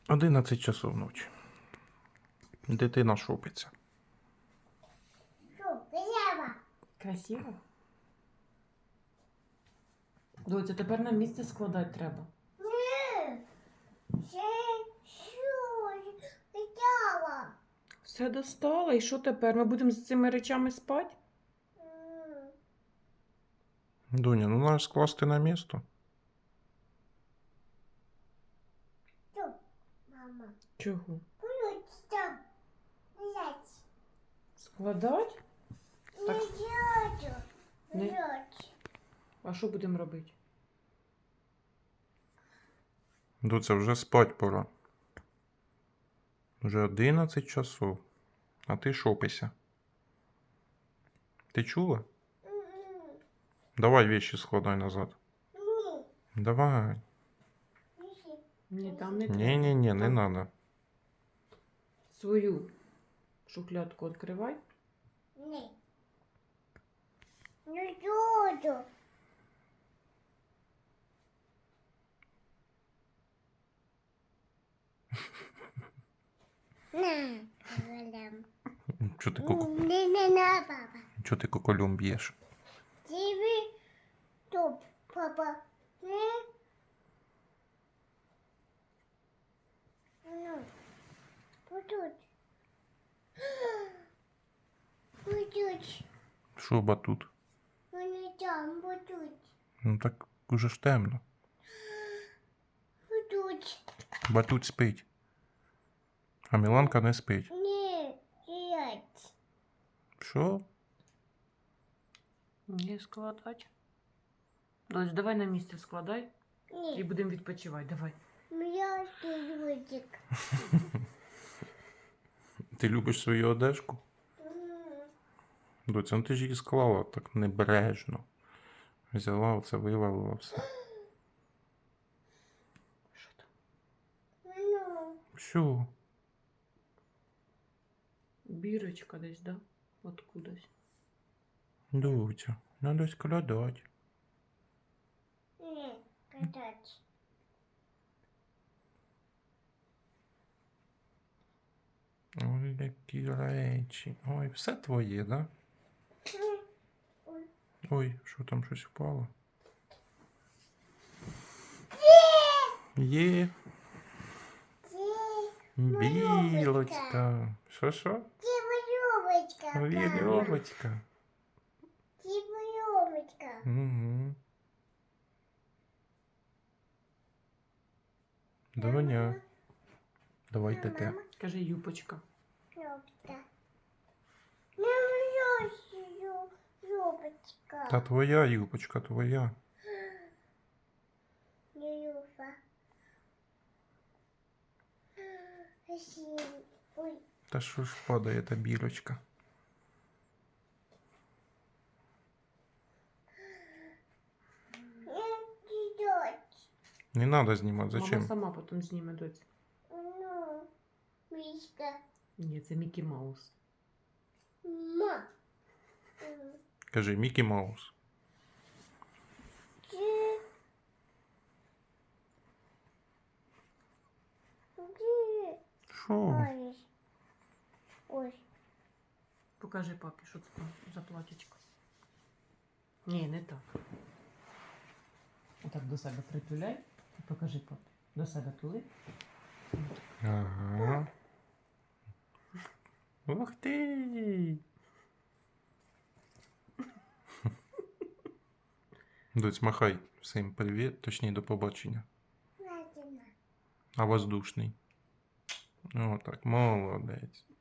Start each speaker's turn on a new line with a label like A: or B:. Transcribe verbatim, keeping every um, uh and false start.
A: Одинадцять часов ночі. Дитина шопиться.
B: Що, красиво?
C: Красиво? Доця, тепер на місце складати треба.
B: Ні. Це що? Красиво.
C: Все достала, і що тепер? Ми будемо з цими речами спати?
B: М.
A: Дуня, ну треба скласти на місто.
B: Що, мама?
C: Чого?
B: Будуть там лежать.
C: Складати? Так.
B: Лежать.
C: Не-
B: Лежать.
C: А що будемо робити?
A: Дуця, вже спать пора. Вже одинадцять часов. А ти шопися. Ти чула?
B: М-м.
A: Давай вещи складай назад.
B: Ні.
A: Давай.
B: Ні.
C: Ні, там не треба.
A: Не-не-не, не
C: Там
A: надо.
C: Свою шухлядку відкривай.
B: Ні. Не буду. На, Валям.
A: Чо ти, ку...
B: Не, не на, папа.
A: Чо ти куколем б'єш?
B: Тебе топ, папа. Не. Ну, будуть. Будуть.
A: Що батут?
B: Вони там будуть.
A: Ну так уже ж темно.
B: Будуть.
A: Батут спить. А Міланка не спить.
B: Ні, сидять.
A: Що?
C: Не складати. Доць, давай на місце складай і
B: Ні,
C: будемо відпочивати. Давай.
B: я сидочек.
A: Ти любиш свою одежку? Доця, ну ти ж її склала так небережно. Взяла оце, вивалила все.
C: Що там?
B: Ну,
A: Що?
C: Бірочка десь, да? Откудась.
A: Доця, надо складати.
B: ні, катать.
A: Ой, які речі. Ой, все твоє, да?
B: Ой.
A: Ой, що там щось впало? Є.
B: Це
A: Білочка. Що що?
B: це вийомочка.
A: Вірьовочка.
B: Це вийомочка.
A: Угу. Доня, давайте те.
C: Кажи юпочка.
B: Юбка. Ну, ю- юбочка.
A: Та твоя юбочка, твоя.
B: Не юбка. Спасибо. Ой,
A: Та що ж падає та білочка?
B: не идет.
A: Не надо знімати,
C: Мама
A: зачем?
C: сама потім зніме, доць.
B: Ну, мишка.
C: Ні, це Мікі Маус.
B: Ма. М,
A: Кажи, Мікі Маус.
B: Где? Где?
A: Що?
B: Ой. Ой.
C: Покажи папі, що це там за платічко. Ні, не так. Отак до себе притуляй і покажи папі. До себе тули.
A: Ага. Ух ти! Доць, махай всім привіт, точніше до побачення.
B: Ладно.
A: А воздушний. О, так, молодець.